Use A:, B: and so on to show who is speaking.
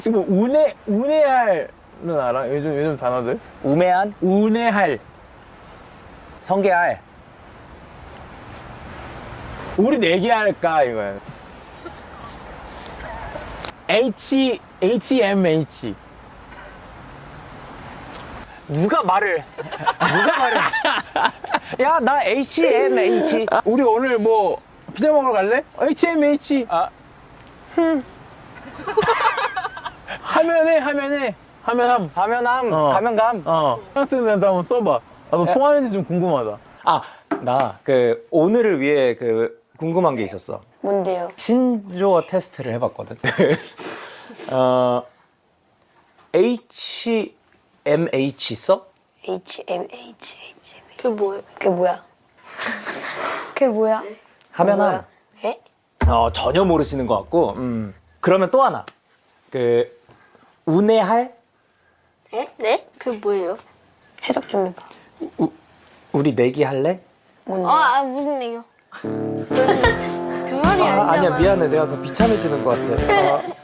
A: 지금 운해할은 알아? 요즘 단어들?
B: 우매한?
A: 운해할.
B: 성게알.
A: 우리 내기할까 이거야. HMH.
B: 누가 말을 야, 나 HMH.
A: 우리 오늘 뭐 피자 먹으러 갈래? HMH.
B: 아,
A: 하면함.
B: 가면함,
A: 어.
B: 가면감.
A: 프랑스는 나도 한번 써봐. 나도
B: 야.
A: 통하는지 좀 궁금하다.
B: 아, 나 그 오늘을 위해 그 궁금한 게 있었어.
C: 뭔데요?
B: 신조어 테스트를 해봤거든. HMH 써?
C: HMH.
D: 그게 뭐예요?
C: 그게 뭐야? 그게 뭐야?
B: 하면함.
C: 에?
B: 전혀 모르시는 것 같고. 그러면 또 하나. 그 운해할?
C: 에?
D: 네? 그게 뭐예요?
C: 해석 좀 해봐.
B: 우리 내기 할래?
C: 뭔데?
D: 무슨 얘기요? 그 말이 아니잖아.
B: 아니야, 미안해. 내가 더 비참해지는 것 같아.